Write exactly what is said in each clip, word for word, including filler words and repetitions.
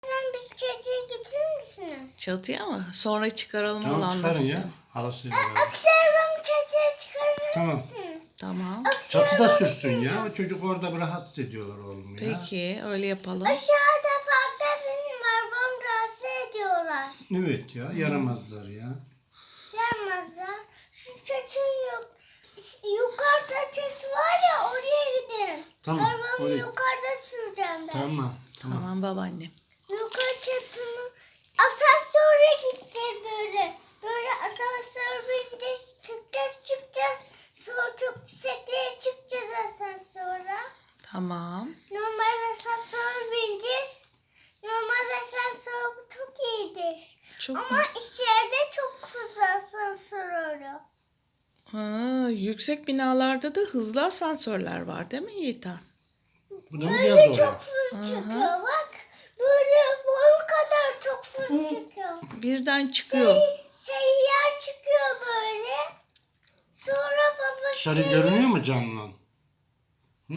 Sen biz çatıya getirir misiniz? Çatıya mı? Sonra çıkaralım Tamam olanları. çıkarın ya. Halasıyla beraber. Akserum çatıya çıkarır Tamam. mısınız? Tamam. Çatıda sürsün ya. O çocuk orada rahatsız ediyorlar oğlum ya. Peki öyle yapalım. Aşağıda parkta benim arabam rahatsız ediyorlar. Evet ya yaramazlar ya. Gelmezler. Şu çatı yok. Yukarıda çatı var ya oraya gidelim. Tamam, Arabamı oraya. yukarıda süreceğim ben. Tamam tamam. Tamam babaannem. Yukarı çatının asansöre gideceğiz böyle. Böyle asansör bineceğiz, çıkacağız, çıkacağız. Sonra çok yükseklere çıkacağız asansöre. Tamam. Normal asansör bineceğiz. Normal asansör bu çok iyidir. Çok Ama içeride çok fazla asansör oluyor. ha, yüksek binalarda da hızlı asansörler var değil mi Yiğitan? Bu da mı Böyle geldi oraya? çok fazla çıkıyor bak. Böyle boyu kadar çok fazla çıkıyor. Birden çıkıyor. Sey- seyyar çıkıyor böyle. Sonra baba Dışarı şey- görünüyor mu camdan? Hı?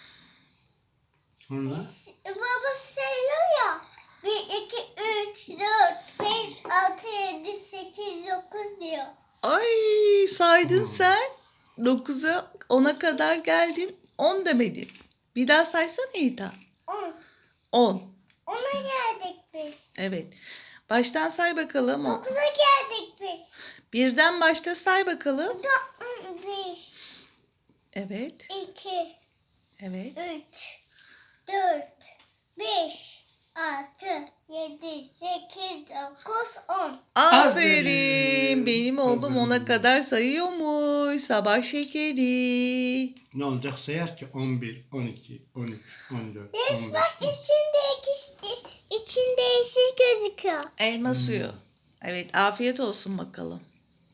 Sonra? Baba sayıyor ya. bir, iki, üç, dört, beş, altı, yedi, sekiz, dokuz diyor. Ay saydın sen. dokuza ona kadar geldin. on demedin. Bir daha saysana Yiğitan. On. on. Ona geldik biz. Evet. Baştan say bakalım. O- Dokuza geldik biz. Birden başta say bakalım. Da, bir, Evet. iki, Evet. üç, dört, beş, altı, yedi, sekiz, dokuz, on. Aferin. Benim oğlum ona Aferin. kadar sayıyormuş. Sabah şekeri. Ne olacak sayar ki on bir, on iki, on üç, on dört, Ders on bak beş. içinde iki, içinde yeşil gözüküyor. Elma suyu. Evet, afiyet olsun bakalım.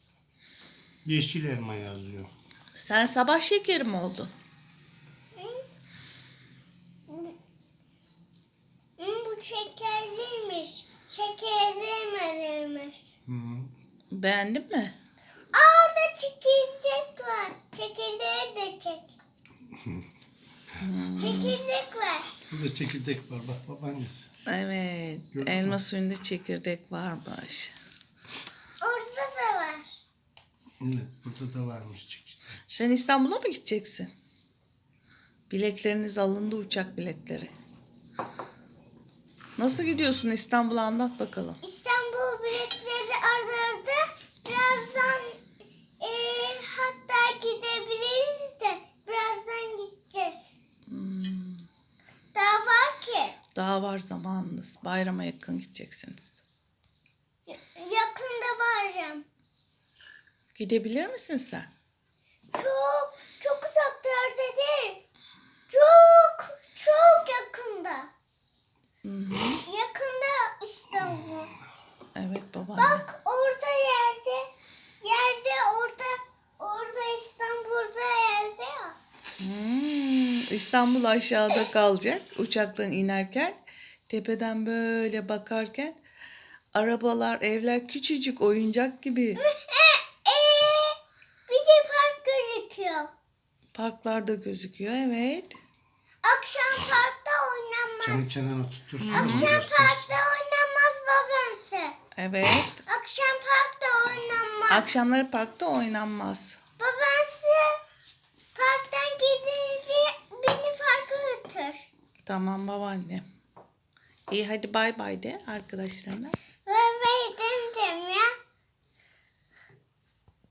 Yeşil elma yazıyor. Sen sabah şekeri mi oldun? Hı, bu şekerliymiş. Şekerlememiş. Hı. Beğendin mi? Aa orada çekirdek var. Çekirdeği de çek. Çekirdek var. Burada çekirdek var bak babaannesi. Evet. Gördün Elma mü? suyunda çekirdek varmış. Orada da var. Evet burada da varmış çekirdek. Sen İstanbul'a mı gideceksin? Biletleriniz alındı, uçak biletleri. Nasıl gidiyorsun İstanbul'a, anlat bakalım. İstanbul biletleri aradı. Birazdan e, hatta gidebiliriz de birazdan gideceğiz. Hmm, Daha var ki. daha var zamanınız. Bayrama yakın gideceksiniz. Ya- Yakında varacağım. Gidebilir misin sen? Çok çok uzaklarda değil. Çok çok yakında. Hı hı. Yakında İstanbul. Evet babaanne. Bak orada yerde. Yerde orada. Orada İstanbul'da yerde ya. Hmm, İstanbul aşağıda kalacak. Uçaktan inerken tepeden böyle bakarken arabalar, evler küçücük oyuncak gibi. E, ee, bir de park gözüküyor. Parklarda gözüküyor, evet. Akşam parkta oynanmaz. Canı kenara tuttursun. Akşam parkta oynanmaz babası. Evet. Akşam parkta oynanmaz. Akşamları parkta oynanmaz. Babası parktan gidince beni parka götür. Tamam babaanne. İyi hadi bay bay de arkadaşlarına. Ve